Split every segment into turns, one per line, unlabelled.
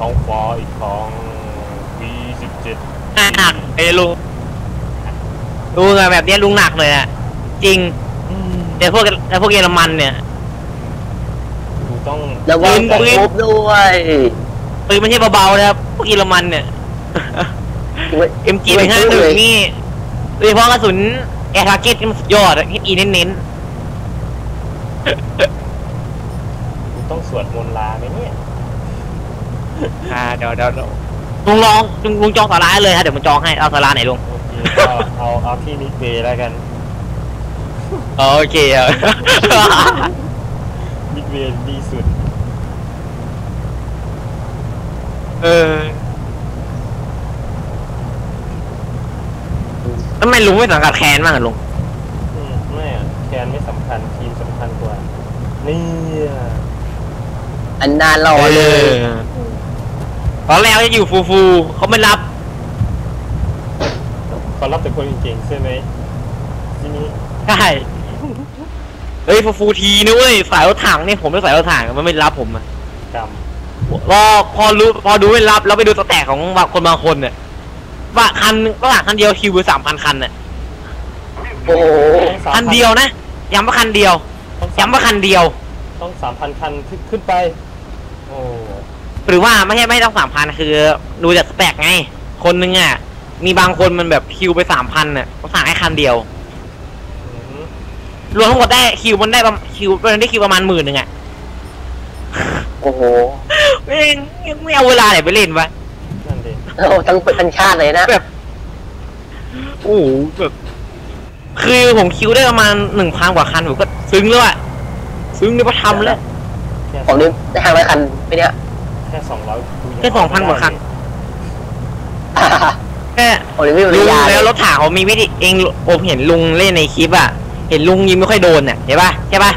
ท้องฟ้าอีกครั้งV17
หนักไอ้ลุงแบบนี้ลุงหนักเลยอะจริงแต่พวกเยอรมันเนี่ย
กูต้อง
ระวังตกมุกด้วย
ปืนไม่ใช่เบาๆนะครับพวกเยอรมันเนี่ยMG151นี่โดยเฉพาะกระสุนแอร์ทาร์เก็ตมันสุดยอดอะอีเน้น
กูต้องสวดมนต์ลาไหมเนี่ย
เดี๋ยวลุงจองสาราเลยฮะเดี๋ยวมันจองให้เอาสาราไหนลุง
ก็เอาที่มิดเวย์แล้วกัน
โอเค
มิดเวย์ดีสุด
ทำไมลุงไม่สังกัดแคนบ้างอะลุง
ไม่แคนไม่สำคัญทีมสำคัญกว่านี่
อันนานรอเลย
ตอนแรกจะอยู่ฟูเขาไม่รับ
เขารับแต่คนเก่งๆใช่ไหมที่นี้
ใช่เฮ้ยฟูทีนะเว้ยสายรถถังเนี่ยผมไม่สายรถถังมันไม่รับผมอะก็พอดูไม่รับแล้วไปดูสแต็กของคนบางคนเนี่ยว่าคันเดียวคิวไป3,000 คันเนี่ย
โอ้
คันเดียวนะย้ำว่าคันเดียว
ต้อง3,000 คันขึ้นไปโอ้
หรือว่าไม่ต้อง3,000คือดูจากสแต็กไงคนนึงอ่ะมีบางคนมันแบบคิวไป3,000เนี่ยเขาสั่งให้คันเดียวรวมทั้งหมดได้คิวมันได้คิวประมาณ10,000อ่ะ
โอ้โห
ไม่เอาเวลาไหนไปเล่นวะ
นั่นเอง
ทั้งชาติเลยนะ
แบบโอ้แบบคือผมคิวได้ประมาณ1,000 กว่าคันผมก็ซึ้งแล้วอะซึ้งในพระธรรมแล้ว
ผมนี่ได้500 คันไปเนี่ย
แค่
2,000 กว่าคันแค่
ลุง
แล้วรถถังเขามีวิธีเองผมเห็นลุงเล่นในคลิปอะเห็นลุงยิงไม่ค่อยโดนเนี่ยใช่ป่ะ
ใช่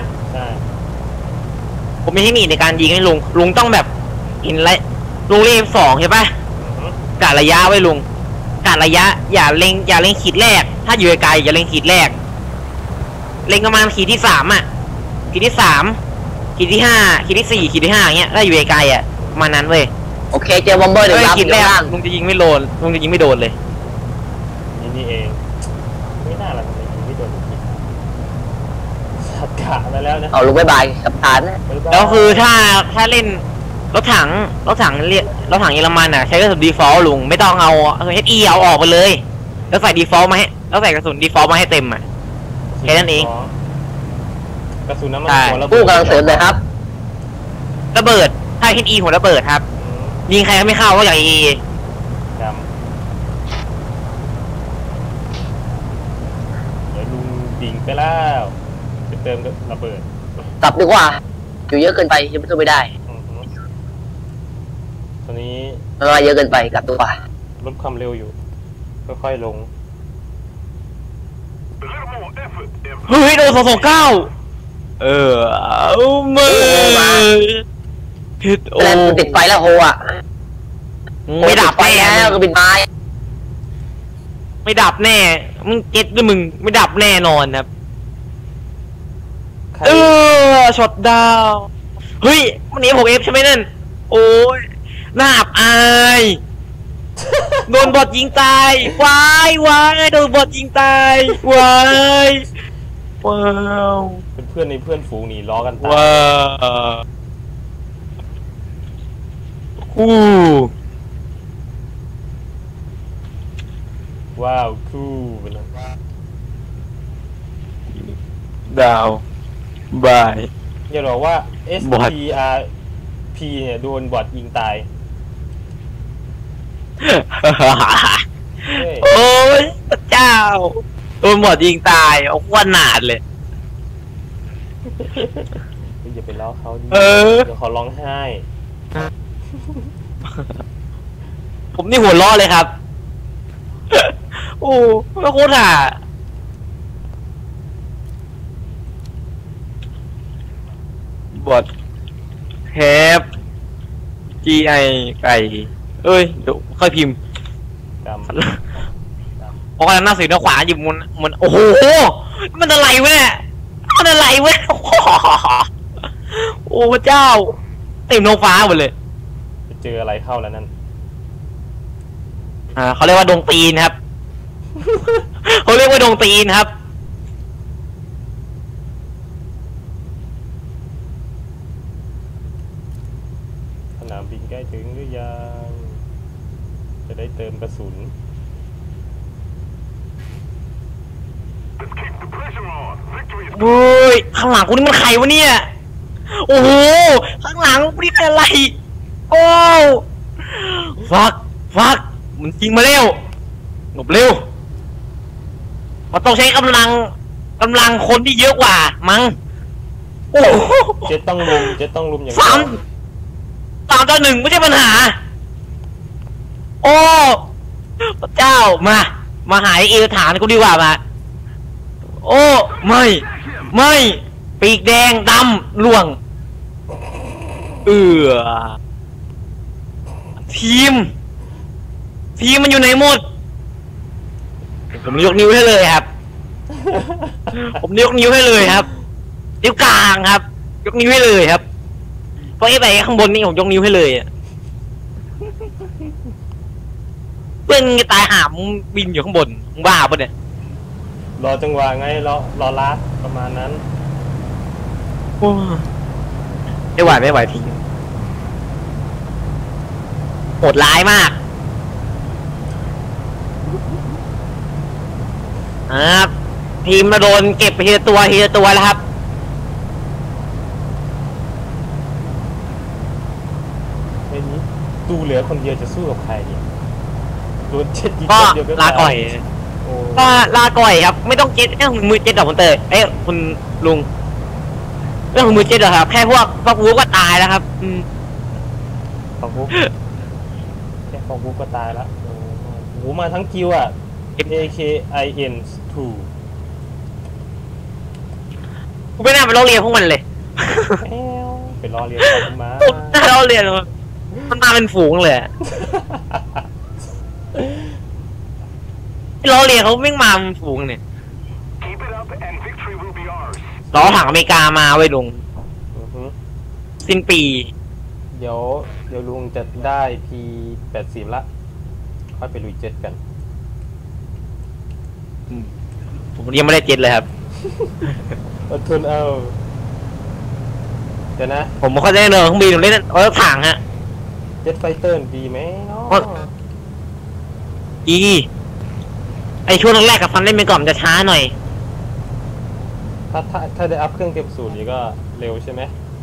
ผมมีเทคนิคในการยิงให้ลุงต้องแบบอินไลลุงเล่น2ใช่ป่ะกะระยะไว้ลุงกะระยะอย่าเล็งขีดแรกถ้าอยู่ไกลอย่าเล็งขีดแรกเล็งประมาณขีดที่3อ่ะขีดที่3ขีดที่5ขีดที่4ขีดที่5เงี้ยถ้าอยู่ไกลอ่ะประมาณนั้นเว้ย
โอเคเจอบอมเบอร์เดี๋ยว
ขีดแรกลุงจะยิงไม่โดนเลย
นี่เองไม่น่าละทำไมยิงไม่โดนสัตว์กะไปแล้วนะ
เอาลุงบายกับฐานนะ
แล้วคือถ้าเล่นรถถังเยอรมันอ่ะใช้กระสุนดีฟอลต์ลุงไม่ต้องเอาHEเอาออกไปเลยแล้วใส่ดีฟอลต์มาให้แล้วใส่กระสุนดีฟอลต์มาให้เต็มอ่ะแค่นั้นเอง
กระสุนน้ำมัน
หัวระเบิดกำลังเสริมเลยครับ
ระเบิดถ้าHEหัวระเบิดครับยิงใครก็ไม่เข้าก็อย่างHE
เดี๋ยวลุงดิ่งไปแล้วจะเติมระเบิด
กลับดีกว่าอยู่เยอะเกินไปยังไม่ได้
ตอนนี้
มาเยอะเกินไปกลับตัว
ลดความเร็วอยู่ค่อยๆลง
เฮ้ยโดน229เอามา
แล้วติดไฟแล้วโฮอ่ะไม่ดับไปแล้วก็บินไม้
ไม่ดับแน่มึงเก็ตด้วยมึงไม่ดับแน่นอนครับช็อตดาวเฮ้ยมันนี้6Fใช่ไหมนั่นโอ้ยน่าอับอายโดนบอทยิงตายวายโดนบอทยิงตายวายว้าว
เป็นเพื่อนในเพื่อนฝูงหนีล้อกันตายว้าวคู่ไปเลย
ดาวบาย
อย่าบอกว่า SPRP เนี่ยโดนบอทยิงตาย
โอ้ยพระเจ้าโดนบอทยิงตายเอาขนาดเลย
อย่าไปล้อเขาดิเดี๋ยวเขาร้องไห้
ผมนี่หัวล้อเลยครับโอ้ไม่โคตรอ่ะบอทแฮป GI ไก่เอ้ยเดี๋ยวค่อยพิมพ์เพราะว่าหน้าสีหน้าขวาหยิบมันโอ้โหมันอะไรวะเนี่ยโอ้พระเจ้าเต็มท้องฟ้าหมดเลย
เจออะไรเข้าแล้วนั่น
เขาเรียกว่าดงตีนครับ เขาเรียกว่าดงตีนครับ
สนามบินใกล้ถึงหรือยังจะได้เติมกระสุน
โอ้ยข้างหลังกูนี่มันใครวะเนี่ยโอ้โหข้างหลังกูนี่เป็นอะไรโอ้ฟักมันจริงมาเร็วหลบเร็วมันต้องใช้กำลังคนที่เยอะกว่ามั้งโอ้โห
เจ็ดต้องลุมอย่าง
สามต่อหนึ่งไม่ใช่ปัญหาโอ้พระเจ้ามาหายเอวฐานกูดีกว่ามาโอ้ไม่ปีกแดงดำล่วงทีมมันอยู่ไหนหมดผมยกนิ้วให้เลยครับ ผมยกนิ้วให้เลยครับนิ้วกลางครับ ยกนิ้วให้เลยครับเพราะไอ้ไปข้างบนนี่ผมยกนิ้วให้เลยเพื่อนตายหามบินอยู่ข้างบนมึงบ้าปะเนี่ย
รอจังหวะไงรอลาดประมาณนั้น
ไม่ไหวทีโหดร้ายมากครับทีมมาโดนเก็บไปทีละตัวแล้วครับ
ไอ้นี้ดูเหลือคนเดียวจะสู้กับใครเนี่ยโดนเจ็ดยิง
ก็
คนเดียวก็
ลาก่อย
โอ้
ก็ลาก่อยครับไม่ต้องเจ็ดมือเจ็ดดอกคุณเตยคุณลุงเรื่องของมือเจ็ดเหรอครับแค่พวกวูก็ตายแล้วครับ
ของบุ๊กแค่ของบุ๊กก็ตายแล้วโอ้โหมาทั้งคิวอ่ะ AKIN 2
กูไม่น่าไปล้อเลียนพวกมันเลย
ไปรอเรียนต่อมา
น่าล้อเลียนมันมาเป็นฝูงเลยล้อเลียนเขาไม่มาเป็นฝูงเนี่ยล้อถังอเมริกามาไว้ลุงสิ้นปี
เดี๋ยวลุงจะได้ P80 ละค่อยไปลุยเจ็ตกัน
ผมยังไม่ได้เจ็ตเลยครับ
อดทนเอาเดี๋ยวนะ
ผมไม่ค่อยได้เลยเครื่องบินผมเล่นถังฮะ
เจ็ตไฟเตอร์ดีไหมเนาะ
ไอช่วงแรกกับฟันเล่นไปก่อนจะช้าหน่อย
ถ้าได้อัพเครื่องเก็บสูตรนี้ก็เร็วใช่ไหม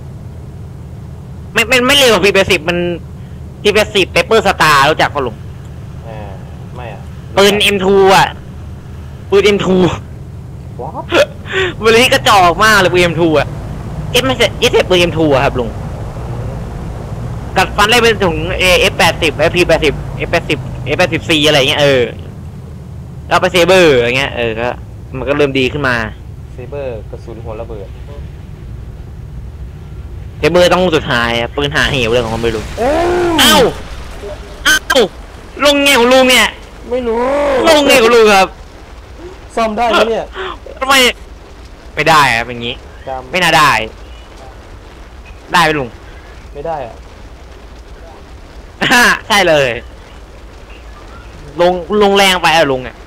ไม่เร็วกว่าP80มันP80เปเปอร์สตาร์รู้จักปะลุง
ไม่อ่ะ
ปืน M2 อ่ะปืน M2
ว้าว
ปืนที่กระจอกมากเลยปืน M2 อ่ะไม่ใช่ปืน M2 อ่ะครับลุงกัดฟันเล่นไปถึงF80 P80 F80C อะไรเงี้ยแล้วไปเซเบอร์อย่างเงี้ยก็มันก็เริ่มดีขึ้นมา
เซเบอร์กระสุนหัวระเบิด
เซเบอร์ต้องสุดท้ายปืนหาเหวเลยของมันไม่รู้อ้าวลงไงของลุงเนี่ย
ไม่รู้
ลงไงของลุงครับ
ซ่อมได้ไหมเนี่ย
ทำไมไม่ได้อะเป็นงี้ไม่น่าได้ไหมลุง
ไม่ได้อะ
ใช่เลยลงแรงไปลุงเนี่ย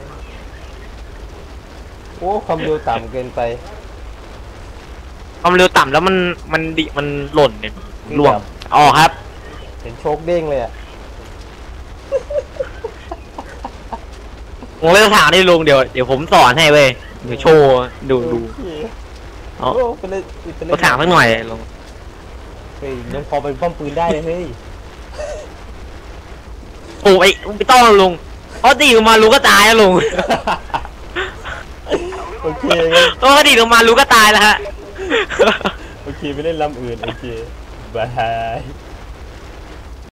โอ้ความเร็วต่ำเกินไป
ความเร็วต่ำแล้วมันหล่นเนี่ยล่วงครับ
เห็นโชคเด้งเลยอ่ะ
ผมเล่นถามได้ลุงเดี๋ยวผมสอนให้เว้ยเดี๋ยวโชว์ดู
ไปเล่น
ถามสักหน่อยลุง
เฮ้ยยังพอเป็นป้อมปืนได้เลยเฮ้ย
โอ้ยไม่ต้องลุงเพราะดีออกมาลุงก็ตายแล้วลุง
โอเค
ก็ดีออกมาลุงก็ตายแล้วฮะ
โอเคไปเล่นลำอื่นโอเคบาย